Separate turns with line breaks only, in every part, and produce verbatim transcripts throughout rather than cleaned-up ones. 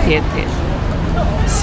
เทสเทส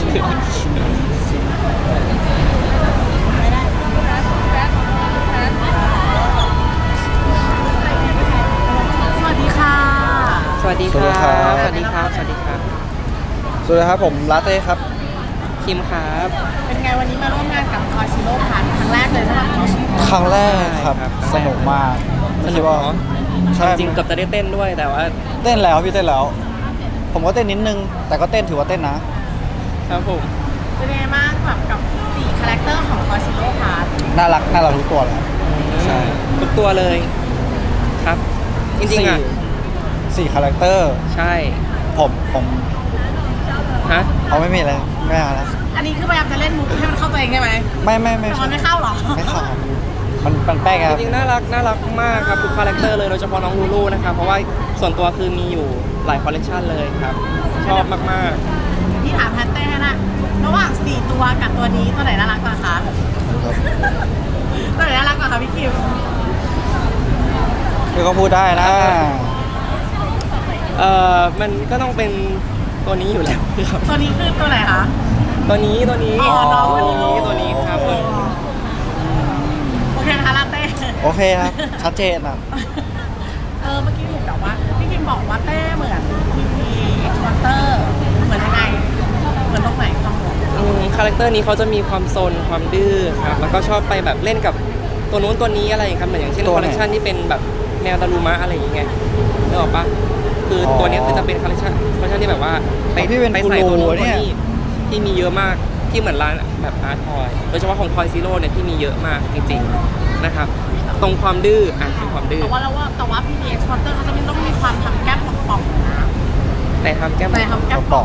สวัสดีค่ะ
สวัสดีครับสวัสดีครับสวัสดีครับ
สวัสดีครับผมลาเต้ครับ
คิมครับ
เป็นไงวันนี้มาร่วมงานกับคอชิโร่พันครั้งแรกเลยใช่ไหม
ครั้งแรกครับ
ใช่ครับ
สนุกมาก
ส
ไม่
นุ
คิด
ก
ว่า
เนาะ
ใช่
จริงๆเกับจะได้เต้นด้วยแต่ว่า
เต้นแล้วพี่เต้นแล้ว ผมก็เต้นนิดนึง แต่ก็เต้นถือว่าเต้นนะครับ
ผม
เป็นไงบ้างแบบกับสี่คาแรคเตอร์ของคอชิโร่พัน
น่ารักน่ารักทุกตัวเลยครับ ใช่
ทุกตัวเลยครับ จริงๆอ่ะ
สี่สี่คาแรคเตอร์
ใช่
ผมผม
ฮะ
เอาไม่มีอะไรไม่เอาแล้ว
อันนี้คือพยายามจะเล่นมุกให้มันเข้าตัวเองใช่ไหม
ไม่ไม่ไม่
แต่มันไม่เข้าหรอ
ไม่เข้าครับมันมันแป้งครับ
จริงๆน่ารักน่ารักมากครับทุกคาแรคเตอร์เลยโดยเฉพาะน้องลูลูนะครับเพราะว่าส่วนตัวคือมีอยู่หลายคอลเลคชันเลยครับชอบมาก
พี่ถามแพทเต้นะระหว่างสี่ตัวกับตัวนี้ตัวไหนน่ารักกว่าคะตัวไหนน่ารักกว่าคะพี่คิม
คือก็พูดได้นะ
ๆเอ่อมันก็ต้องเป็นตัวนี้อยู่แล้วครับ
ตัวนี้คือตัวไหนคะ
ตัวนี้ตัวนี้
อ๋อน้อง
ตัวนี้ตัวนี้ครับตัวนี้
โอเคนะคะลาเต้
โอเคครับ ชัดเจนครับ
เออเมื่อกี้เห็นแบบว่าพี่คิมบอกว่าเต้เหมือนพีพีเอ็กซ์วอเตอร์เหมือนยังไงเหมือนตรงไหนความเหมือน
อืมคาแรคเตอร์นี้เขาจะมีความซนความดื้อครับแล้วก็ชอบไปแบบเล่นกับตัวนู้นตัวนี้อะไรอย่างเงี้ยครับเหมือนอย่างเช่น
ตัว
ค
ไหน
อลเลคชันที่เป็นแบบแนวดารุมะอะไรอย่างเงี้ยนึกออกปะคืออ
อ
ตัวเนี้ยคือจะเป็นคอลเลคชันคอลเลคชันที่แบบว่าไป
พี่เป็น
ไปใส่
กู
ตัว
รู
นู้นตัว
เนี่ย
นี้ที่มีเยอะมากที่เหมือนร้านแบบอาร์ทอยโดยเฉพาะของทอยซีโร่เนี่ยที่มีเยอะมากจริงๆนะครับตรงความดื้ออ่ะตรงความดื้อ
แต่ว่าเราว่าแต่ว่าพีพีเอ็กซ์วอเตอร์เขาจะไม่ต้องมีความทำแก้มป่องๆนะ
แต่ทำแก้ม
แต่ทำแก้
ก
ม
ระ
ป่
ป๋
อ
อง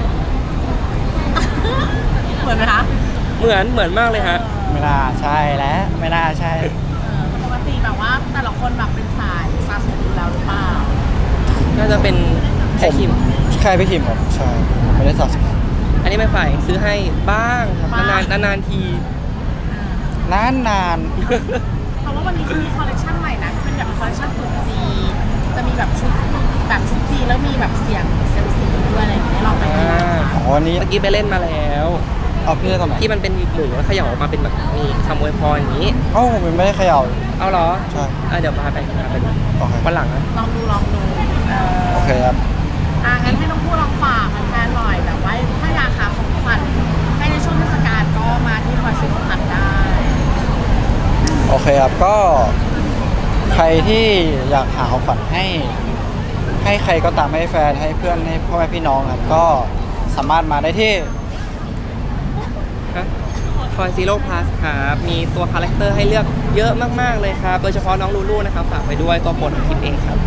ง
เหมือนไหมคะ
เหมือนเหมือนมากเลยฮะ
ไม่น่าใช่แล้วไม่น่าใช่
เออปกติแบบว่าแต่ละคนแบบเป็นสายสะสมอยู่แล้วหรือเปล่า
น่าจะเป็น
ผ
แค่
ม
คิม
ใช่พี่คิมครับใช่ผมไม่ได้สะสม
อันนี้ไม่ฝ่ายซื้อให้บ้างครับ
บ้าง
นานๆนานๆที
นานนาน
เพราะว่าวันนี้จะมีคอลเลคชันใหม่นะเป็นแบบคอลเลคชันตุ๊จีนจะมีแบบชุดแบบชุดจีนแล้วมีแบบเสียงเซยมซีด้วยอะไรอย่างเงี้ยลองไปดูนะ
อ่า
คะ
อ๋อวันนี้
เมื่อกี้ไปเล่นมาแล้ว
เอาพี่ได้ตอนไหน
ที่มันเป็นหมูแล้วเขย่าออกมาเป็นแบบมีคำอวยพรอย่างนี้
เอ้าผมยังไม่ได้เขย่า
เอาเหรอ
ใช่
อ่ะเดี๋ยวพาไปพาไปดู
โอเค
วันหลังนะ
ลองดูลองดูเออ
โอเคครับ
อ่ะงั้นให้น้องพูดลองฝากแฟนๆหน่อยแบบว่าถ้าอยากหาของขวัญให้ในช่วงเทศกาลก็มาที่คอยซื้อของขวัญได้
โอเคครับก็ใครที่อยากหาของขวัญให้ ให้ใครก็ตามให้แฟนให้เพื่อนให้พ่อแม่พี่น้องครับก็สามารถมาได้ที่
ทอยซีโร่พลัสครับ มีตัวคาแรคเตอร์ให้เลือกเยอะมากๆเลยครับ โดยเฉพาะน้องลูลูนะครับ ฝากไปด้วยตัวโปรดของคลิปเองครับ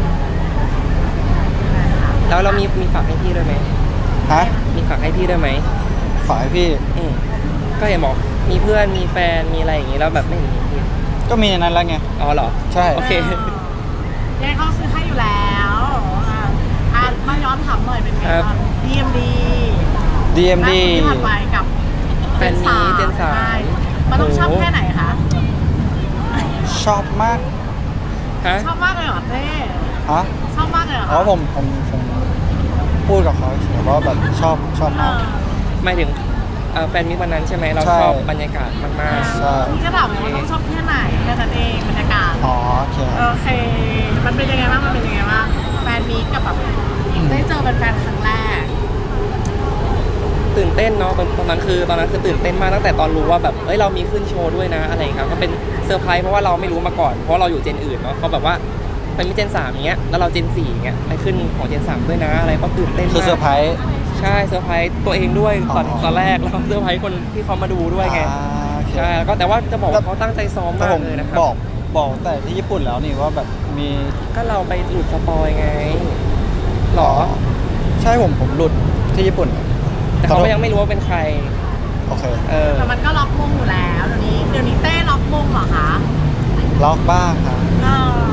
แล้วเรามีมีฝากให้พี่ด้วยไหม
ฮะ
มีฝากให้พี่ด้วยไหม
ฝากให้พี่
อืมก็เห็นบอกมีเพื่อนมีแฟนมีอะไรอย่างงี้แล้วแบบไม่เห็นมีพี่
ก็มีในนั้นแล้วไง
อ๋อเหรอ
ใช่
โอเค
ยังไงเขาซื้อให้อยู่แล้วอ่ะอ่ะมาย้อนถามหน่อยเป็นไง
ครับ
บ้าง ดี เอ็ม ดี
ดี เอ็ม ดี
ที่ผ่านไปกับ
แฟนมีเจนสาม
ใช่มันต้องชอบแค่ไหนคะ
ชอบมาก
ฮะ
ชอบมากเลยเหรอเต้
ฮะ
ชอบมากเลยเหรอ
อ๋
คะ
อผมผมผมพูดกับเขาเฉยๆว่าแบบชอบชอบ
เอ
มาก
อ
หมายถึงเอ่อแฟนมิตรวันนั้นใช่ไหมเรา
ใช่
ชอบบรรยากาศมาก
ใช่
นี่ก็ถามเลยว่าต้องชอบแค่ไหนแค่นั้นเองบรรยากาศ
อ๋อโอเค
โอเค มันเป็นยังไงบ้างมันเป็นยังไงบ้างแฟนมีกับแบบได้เจอเป็นแฟนครั้งแรก
ๆตื่นเต้นเนาะตอนตอนนั้นคือตอนนั้นคือตื่นเต้นมากตั้งแต่ตอนรู้ว่าแบบเอ้ยเรามีขึ้นโชว์ด้วยนะอะไรอย่างเงี้ยครับก็เป็นเซอร์ไพรส์เพราะว่าเราไม่รู้มาก่อนเพราะเราอยู่เจนอื่นเนาะเขาแบบว่าเป็นมิเจนสามอย่างเงี้ยแล้วเราเจนสี่อย่างเงี้ยไปขึ้นของเจนสามด้วยนะอะไรก็ตื่นเต้นมาก
คือเซอร์ไพรส์
ใช่เซอร์ไพรส์ตัวเองด้วยตอน
อ๋อ
ตอนแรกแล้วก็เซอร์ไพรส์คนที่เขามาดูด้วยไง
อ่าโอเค
ใช่แล้วก็แต่ว่าจะบอกว่าเขาตั้งใจซ้อม
แต่
มาก
ผม
เลยนะครับ
บอกบอกแต่ที่ญี่ปุ่นแล้วนี่ว่าแบบมี
ก็เราไปหลุดสปอยไงหรอ
ใช่ผมผมหลุดที่ญี่ปุ่น
แต่เขาก็ยังไม่รู้ว่าเป็นใคร
โอเค
เออ
แต่มันก็ล็อกมงอยู่แล้วเดี๋ยวนี้เดี๋ยวนี้เต้ล็อกมงเหรอคะ
ล็อกบ้างครับ
เออ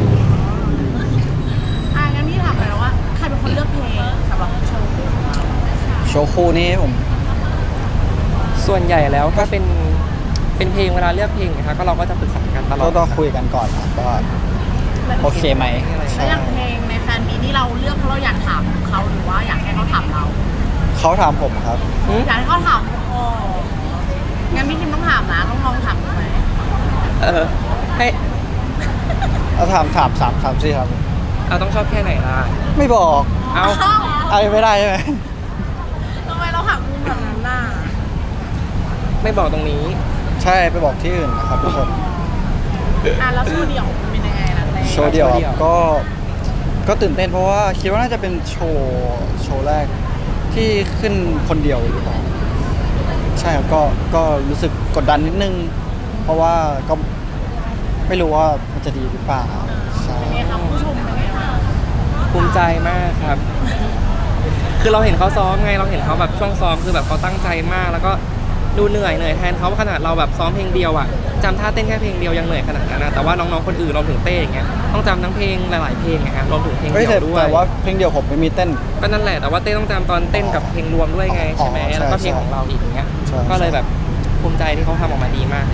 อ่ะงั้นพี่ถามเลยว่าใครเป็นคนเลือกเพลงสำหรับโชว์คู่ของเรา
โชว์คู่นี้ผม
ส่วนใหญ่แล้วก็เป็นเป็นเพลงเวลาเลือกเพลงนะคะก็เราก็จะปรึกษากันตลอ
ก็
ด
ต้องคุยกันก่อนครับว่าโอเคไหม
แล้วอย่างเพลงในแฟนมีนี่เราเลือกเพราะเราอยากถามเขาหรือว่าอยากให้เขาถามเรา
เขาถามผมครับ
หึ
อยากให้เขาถามโอ้งั้นพี่คิมต้องถามนะต้องลองถามดูไหม
เออให้
เอาถามถามสามสามสี่ครับ
เราต้องชอบแค่ไหนล่ะ
ไม่บอก
เอา
อะไรไม่ได้ใช่ไหม
ทำไมเราหักมุมแบบนั้นน่ะ
ไม่บอกตรงนี้
ใช่ไปบอกที่อื่นนะครับทุกคน
อ่ะแล้วโชว์เดี่ยวเป็นยังไงล่ะเต้
โชว์เดียว
โชว์
ค
เดี่
รั
ยว
บก็ก็ตื่นเต้นเพราะว่าคิดว่าน่าจะเป็นโชว์โชว์แรกที่ขึ้นคนเดียวหรือเปล่าใช่ครับก็ก็รู้สึกกดดันนิดนึง เพราะว่าก็ไม่รู้ว่ามันจะดีหรือเปล่าใช่
เป็นไงครับผู้ชมเป็นไงบ้าง
ภูมิใจมากครับ คือเราเห็นเขาซ้อมไง เราเห็นเขาแบบช่วงซ้อมคือแบบเขาตั้งใจมาก แล้วก็ดูเหนื่อยเหนื่อยแทนเขาขนาดเราแบบซ้อมเพลงเดียวอ่ะจำท่าเต้นแค่เพลงเดียวยังเหนื่อยขนาดนั้นนะแต่ว่าน้องๆคนอื่นรวมถึงเต้อย่างเงี้ยต้องจำทั้งเพลงหลายๆเพลงไงฮะรวมถึงเพลง
เฮ้ย
เดี
แต่
ยวด้วย
แต่ว่าเพลงเดียวผมไม่มีเต้น
ก็นั่นแหละแต่ว่าเต้ต้องจำตอนเต้นกับเพลงรวมด้วยไง
อ๋อ
ใช่ไหม
ใช่
แล้วก็เพลง
ใช่
ของเราอีกอย่างเงี้ย
ใช่
ก็เลยแบบภูมิใจที่เขาทำออกมาดีมากเลย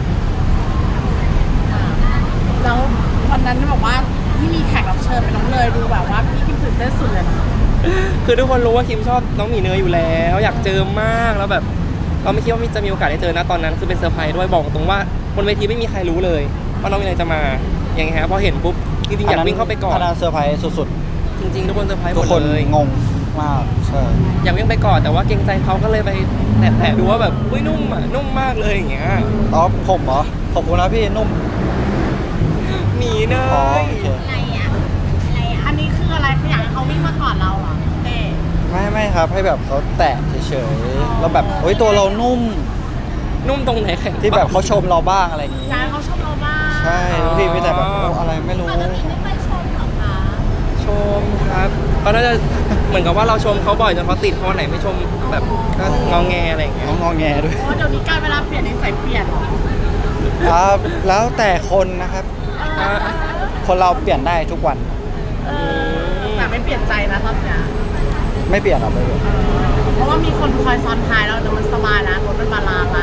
แล้ววันนั้นบอกว่าที่มีแขกรับเชิญเป็นน้องเลยดูแบบว่าพี่คิมตื่นเต้นสุดเลยนะ
คือทุกคนรู้ว่าคิมชอบน้องหมีเนยอยู่แล้ว อยากเจอมากแล้วแบบเราไม่คิดว่าจะมีโอกาสได้เจอนะตอนนั้นคือเป็นเซอร์ไพรส์ด้วยบอกตรงว่าบนเวทีไม่มีใครรู้เลยว่าน้องหมีเนยจะมาอย่างเงี้ยฮะพอเห็นปุ๊บจริงๆอยากวิ่งเข้าไปกอด
อันนั้นเซอร์ไพรส์สุด
จริงๆทุกคนเซอร์ไพรส์
ๆ
ห
ทุ
ม
ก
ด
คน
เลย
งงมากใช่
อยากวิ่งไปกอดแต่ว่าเกรงใจเขาก็เลยไปแตะๆดูว่าแบบอุ้ยนุ่มอ่ะนุ่มมากเลยอย่างเงี้ย
อ๋อผมเหรอขอบคุณนะพี่นุ่ม
หมีเน
อ๋อย โอเค
อะไรอ่ะอะไรอ่ะอันนี้คืออะไรคืออยากให้เขาวิ่งมาก่อนเราเหรอเต้
ไม่ไม่ครับให้แบบเขาแตะเฉยๆแล้วแบบเฮ้ยตัวเรานุ่ม
นุ่มตรงไหนแข็ง
ที่แบบเขาชมเราบ้างอะไรอย่างงี้
อยากให้เขาชมเราบ้าง
ใช่แล้วพี่ไม่แต่แบบโอ้อะไรไม่รู้
ปกติไม่ค่อยชมหรอคะ
ชมครับเขาน่าจะเหมือนกับว่าเราชมเขาบ่อยจนเขาติดเพราะวันไหนไม่ชมแบบก็งอแงอะไรอย่างเงี้ย
น้องงอแงด้วย
เพราะเดี๋ยวนี้การเวลาเปลี่ยนนิสัยเปลี่ยนเหรอ
ครับแล้วแต่คนนะครับ
อ่ะ
คนเราเปลี่ยนได้ทุกวัน
เออแต่ไม่เปลี่ยนใจนะตอนเนี้ย
ไม่เปลี่ยนหรอกไม่เปลี่ยน
เพราะว่ามีคนคอยซ้อนท้ายเราเดี๋ยวมันสบายนะรถมันบาลานซ์ละ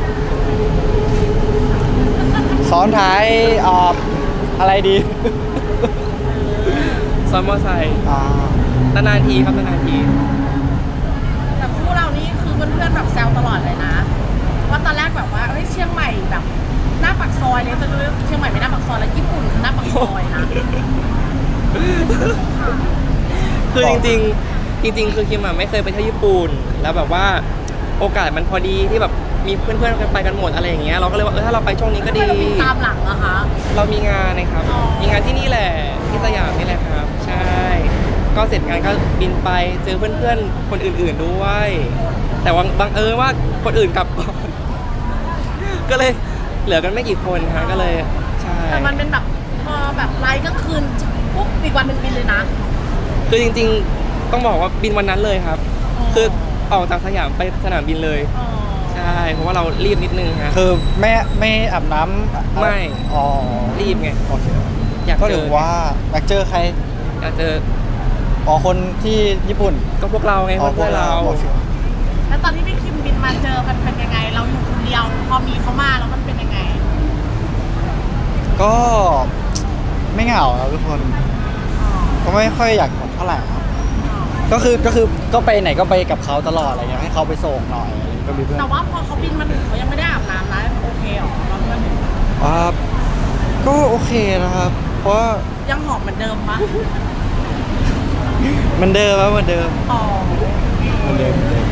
ซ้อนท้ายเอ่ออะไรดี
ซ้อนมอไซค์
อ่า
นานๆทีครับนานๆที
แต่คู่เรานี่คือเพื่อนๆแบบแซวตลอดเลยนะ ว่าตอนแรกแบบว่าเฮ้ยเชียงใหม่แบบหน้าปากซอยเลยแต่ดูเชียงใหม่ไม่หน้าปากซอยแล้วญี่ปุ่นคือหน้าปากซอยนะ
คือจริงๆจริง ๆ คือคิมอะไม่เคยไปเที่ยวญี่ปุ่นแล้วแบบว่าโอกาสมันพอดีที่แบบมีเพื่อนๆกันไปกันหมดอะไรอย่างเงี้ยเราก็เลยว่าเออถ้าเราไปช่วงนี้ก็
ทำ
ดี
ไมเราบินตามหลังอะคะ
เรามีงานนะครับ
อ๋อ
มีงานที่นี่แหละที่สยามนี่แหละครับ ใช่ ก็เสร็จงานก็บินไปเจอเพื่อนๆคนอื่นๆด้วย แต่ว่าบังเอิญว่าคนอื่นกลับก่อน ก็เลยเหลือกันไม่กี่คนฮะก็เลยใช่
แต่มันเป็นแบบพอแบบไลฟ์ก็คืนปุ๊บอีกวันหนึ่งบินเลยนะ
คือจริงๆต้องบอกว่าบินวันนั้นเลยครับ
อ๋อ
คือออกจากสยามไปสนามบินเลย
อ๋อ
ใช่เพราะว่าเรารีบนิดนึงฮะ
คือไม่ไม่อาบน้ำ
ไม่
อ๋อ
รีบไง
โอเค
อยาก
ก็
เจ
ถื
อ
อว่าอยากเจอใคร
อยากเจอ
อ๋อคนที่ญี่ปุ่น
ก็พวกเราไง
อ๋อ
เพื่อนๆเรา
โอค
แล้วตอนที่พี่คิมบินมาเจอมันเป็นยังไง เราอยู่คนเดียว พอมีเขามาแล้วมันเป็นยังไง
ก็ไม่เหงาครับทุกคน
อ๋อ
ก็ไม่ค่อยอยากกดเท่าไหร่ครับก็คือก็คือก็ไปไหนก็ไปกับเขาตลอดอะไรเงี้ยให้เขาไปส่งหน่อยก็มีเพื่อน
แต่ว่าพอเขาบินมาถึงเขายังไม่ได้อาบน้ำนะโอเคเหรอเราเพื่อนถึง
อ่าก็โอเคนะครับ เพราะว่า
ยังหอมเหมือนเดิมปะ
เหมันเดิมครับเหมันเดิม
อ๋อ
เหมันเดิมเหมือนเดิม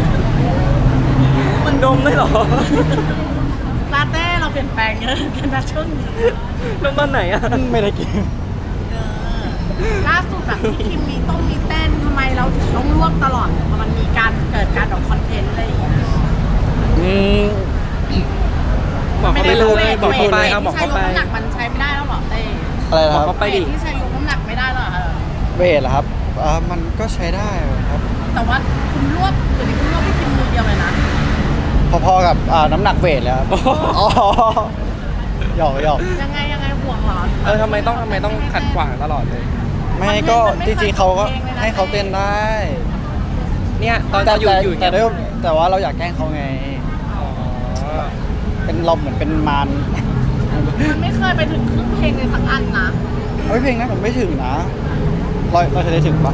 มันดมได้เหรอ
ลาเต้เราเปลี่ยนแปลงเยอะกันนะช่วงนี้
ดมตอนไหนอะ
ไม่ได้กิน
เออล่าสุดแบบพี่คิมมีต้องมีเต้นทำไมเราถึงต้องร่วมตลอดพอมันมีการเกิดการแบบคอนเทนต์อะไรอย่างเงี้ย
อืม
บอกเขาไปเลยบอกเขาไป
วท
เอาบอกเขาไป
ที่ใช้ยกน้ำหนักมันใช้ไม่ได้แล้วเหรอเต้
อะไรนะ
บ
ค
อก
รับ
เขาไปดิ
วทที่ใช้ยกน้ำหนักไม่ได้แล้วเหรอ
เวทเหรอครับอ่ามันก็ใช้ได้ครับ
แต่ว่าคุณรวบเดี๋ยวนี้คุณรวบพี่คิมมือเดียวเลยนะ
พอๆกับอ่าน้ำหนักเวทเลยครับอ๋อหยอกหยอก
ยังไงยังไงห่วงเหรอ
เออทำไมต้องทำไมต้องขัดขวางตลอดเลย
ไม่ก็จริงๆเขาก็ให้เขาเต้นได้
เนี่ยตอน
แต่
จะอยู่
แต่
อยู่
แต่
เงี้ย
ด้วยแต่ว่าเราอยากแกล้งเขาไง
อ๋อ
เป็นเราเหมือนเป็นมาร
มันไม่เคยไปถึงครึ่งเพลงเลยสักอันนะ
เฮ้ยเพลงนั้นผมไม่ถึงนะเราเราจะได้ถึงปะ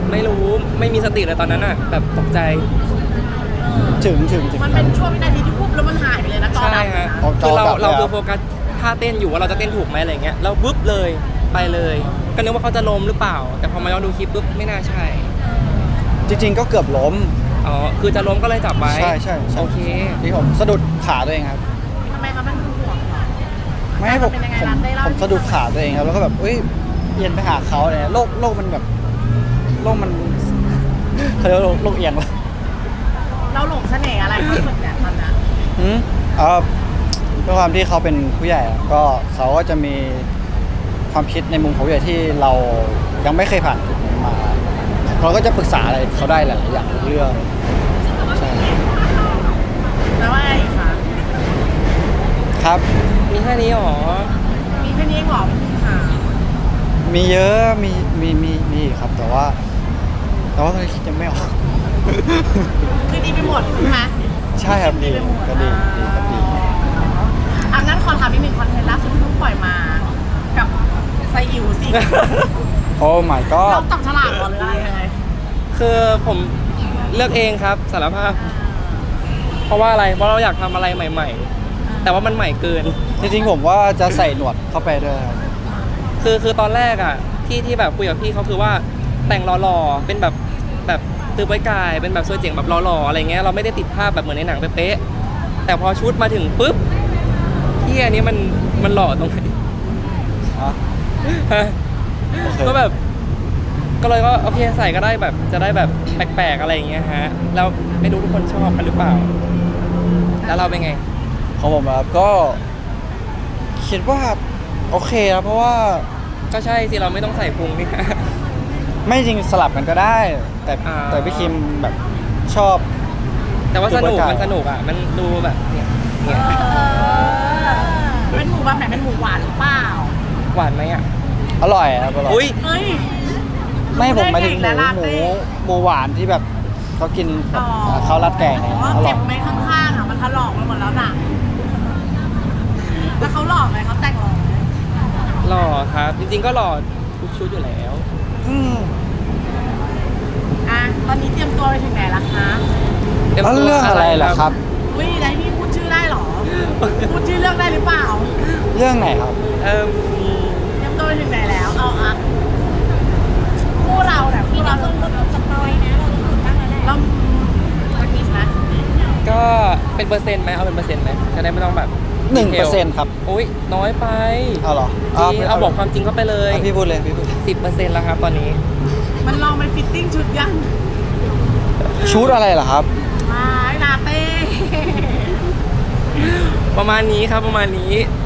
ไม่รู้ไม่มีสติเลยตอนนั้นอ่ะแบบตกใจ
เออ
ถึงถึงถึง
มันเป็นช่วงวินาทีที่ปุ๊บแล้วมันหายไปเลยนะจอ
ใช่
ดำเลย
ฮะ
นะ
ผมจ
คือ อเรา
ดับเลย
เรา
อะ
คือโฟกัสท่าเต้นอยู่ว่าเราจะเต้นถูกไหมอะไรเงี้ยแล้วปุ๊บเลยไปเลย ก็นึกว่าเขาจะล้มหรือเปล่า แต่พอมาย้อนดูคลิปปุ๊บไม่น่าใช่
จริง ๆ ก็เกือบล้ม
อ๋อคือจะล้มก็เลยจับไว้
ใช่ใช่ใช่
โอเค
ที่ผมสะดุดขาตัวเองครับ
ทำไมเขาเป็นห่วงเหรอ
ไม่ให้ผม
เป็นยังไง
ผม
ล่ะได้เล่า
ผมสะดุดขาตัวเองครับแล้วก็แบบเอ้ยเอียนไปหาเขาเนี่ยโลกโลกมันแบบโลกมันเขาเรียกว่าโลกโลกเอียงเหรอ
เราหลงเสน่ห์อะไรเขาสุดเนี่ยตอนนั้น
อืมเอ่อด้วยความที่เขาเป็นผู้ใหญ่อะก็เขาก็จะมีความคิดในมุมของผู้ใหญ่ที่เรายังไม่เคยผ่านจุดนั้นมา เราก็จะปรึกษาอะไรเขาได้หลายๆอย่างเรื่องใช่
แล้วว่าไงอีกคะ
ครับ
มีแค่นี้หรอ
มีแค่นี้เองเหรอพี่ค่ะ
มีเยอะมีมีมีมีอีกครับ แต่ว่า แต่ว่าตอนนี้คิดยังไม่ออก
คือดีไปหมดใช่ไหม
ใช่ครับดี
ไปหมด
ก็ดีดีครับดี
อ่ะงั้นขอถามอีกหนึ่งคอนเทนต์ล่าสุดที่เพิ่งปล่อยมา กับไซอิ๋วสิ
โอ้ my
เรา
god
จับฉลากเหรอหรืออะไรยังไง
คือผมเลือกเองครับสารภาพ เพราะว่าอะไรเพราะเราอยากทำอะไรใหม่ ๆ แต่ว่ามันใหม่เกิน
จริงๆผมว่าจะใส่หนวดเข้าไปด้วยครับ
คือคือตอนแรกอ่ะที่ที่แบบคุยกับพี่เขาคือว่าแต่งหล่อๆเป็นแบบแบบตือไว้กายเป็นแบบสวยเจ๋งแบบหล่อๆอะไรเงี้ยเราไม่ได้ติดภาพแบบเหมือนในหนังเป๊ะๆแต่พอชุดมาถึงปุ๊บที่อันนี้มันมันหล่อตรงไหน
ฮะ
ฮะ
โอเค
ก็แบบก็เลยก็โอเคใส่ก็ได้แบบจะได้แบบแปลกๆอะไรอย่างเงี้ยฮะแล้วไม่รู้ทุกคนชอบกันหรือเปล่า แล้วเราเป็นไง
ของผมครับก็ คิดว่าโอเคนะเพราะว่า
ก็ใช่สิเราไม่ต้องใส่พุงนี่นะ
ไม่จริงสลับกันก็ได้ แต่
อ่า
แต่พี่คิมแบบชอบ
แต่ว่าสนุก
ดูบรรยากาศ
มันสนุกอ่ะมันดูแบบเนี่ยเนี่ย
เป็นหมูแบบไหนเป็นหมูหวานหรือเปล่า
หวานไหมอ่ะ
อร่อยครับอร่อย
อุ้ย
เอ้ย
ไม่ผมหมายถึงห
ได้
มู
ไงล่ะ
หมู
เต้
หมูหวานที่แบบเขากินกับ
อ๋อ
ข้าวราดแกงเนี่ย
อ๋อ
อร่อ
เจ็
ย
บไหมข้างๆอ่ะมันถลอกไปหมดแล้วน่ะแล้วเขาหลอกไหมเขาแต่งหลอกไหม
หล่อครับ จริงๆก็หล่อทุกชุดอยู่แล้ว
อืม
อ่ะตอนนี้เตรียมตัวไปถึงไหนละคะ
ต็ม
แล้ว
ตัว
เรื่องอะไรล่ะครับ
อุ้ยได้พี่พูดชื่อได้เหรอ พูดชื่อเรื่องได้หรือเปล่า
เรื่องไหนครับ
เอิ่ม
เตรียมตัวไปถึงไหนแล้ว เอาอ่ะคู่เราเนี่ยคู่เราต้องสปอยนะเราต้องตั้งแล้วแหละเราวันนี้นะ
ก็เป็นเปอร์เซ็นต์ไหมเอาเป็นเปอร์เซ็นต์ไหมจะได้ไม่ต้องแบบ
หนึ่งเปอร์เซ็นต์ครับ
อุ้ยน้อยไป
เอาเหรอ
จริงเอาบอกความจริงเข้าไปเลย
เอาพี่พูดเลยพี่พูด
สิบเปอร์เซ็นต์แล้วครับตอนนี้
มันลองไปฟิตติ้งชุดยัง
ชุดอะไรเหรอครับ
มาลาเต้
ประมาณนี้ครับประมาณนี้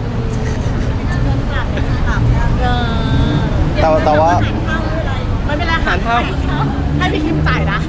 เออ
แต่แต่ว่า
ไม่เป็นไร
หารเท่า
ให้พี่คิมจ่ายนะ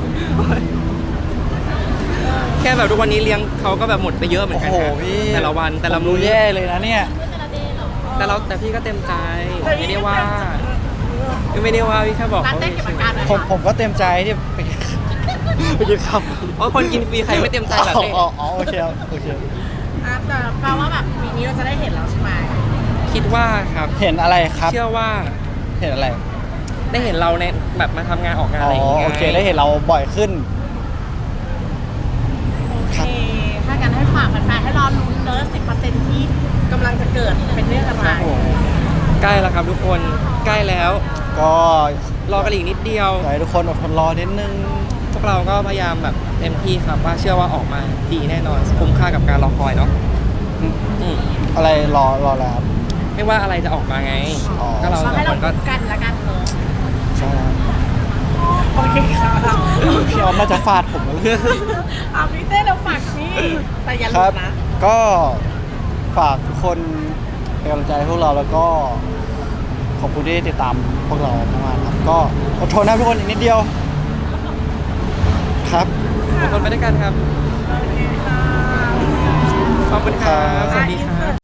แค่แบบทุกวันนี้เลี้ยงเขาก็แบบหมดไปเยอะเหมือนกัน
โอ้โห
นะ
พี่
แต่ละวันแต่ละ
ผม
มื้
ดู
อ
แย่เลยนะเนี่ย
แต่เราแต่พี่ก็เต็มใจไม่ได้ว่าไม่ได้ว่าพี่แค่บอก
ร้าน
เขา
เต้เก็บอาการหน่อย
ผม
ค่ะ
ผมก็เต็มใจที่ไปไปกินข้าว
เพราะคนกินฟรีใครไม่เต็มใจแบบนี้
อ๋ออ๋อโอเคครับโอเค
อ่ะแต่แปลว่าแบบปีนี้เราจะได้เห็นแล้วใช่ไหม
คิดว่าครับ
เห็นอะไรครับ
เชื่อว่า
เห็นอะไร
ได้เห็นเราในแบบมาทำงานออกงาน
อ๋
อะ
อ
ไรอย่างเงี้ย
โอเคได้เห็นเราบ่อยขึ้น
โอเค ถ้างั้นให้ฝากแฟนๆให้รอลุ้นเนอะสิบเปอร์เซ็นต์ที่กำลังจะเกิดเป็นเรื่องอะไร
ครับผมใกล้แล้วครับทุกคนใกล้แล้ว
ก็
รอกันอีกนิดเดียว
อยากให้ทุกคนอดทนรอนิดนึง
พวกเราก็พยายามแบบเต็มที่ครับว่าเชื่อว่าออกมาดีแน่นอนคุ้มค่ากับการรอคอยเนาะอืม
อะไรรอรอแล้วครับ
ไม่ว่าอะไรจะออกมาไง
อ๋อ
ก็เราส
เรา
อง
ให้
ค
เรา
นก็
ลุ้นกันละกันเนอะ
ใช่ครับ
โอเคค่ะ
พี่ออมน่าจะฟาดผมแล้ว
เอาพี่เต้เราฝากนี่แต่อย่า
ค
ลื
รับ
มนะ
ก็ฝากทุกคนเป็นกำลังใจให้พวกเราแล้วก็ขอบคุณที่ติดตามพวกเรามากๆครับก็อดทนนะทุกคนอีกนิดเดียว ครับ
ทุกคนไปด้วยกันครับ
โอเคค่ะ
ขอบคุณครับ สวัสดีครับ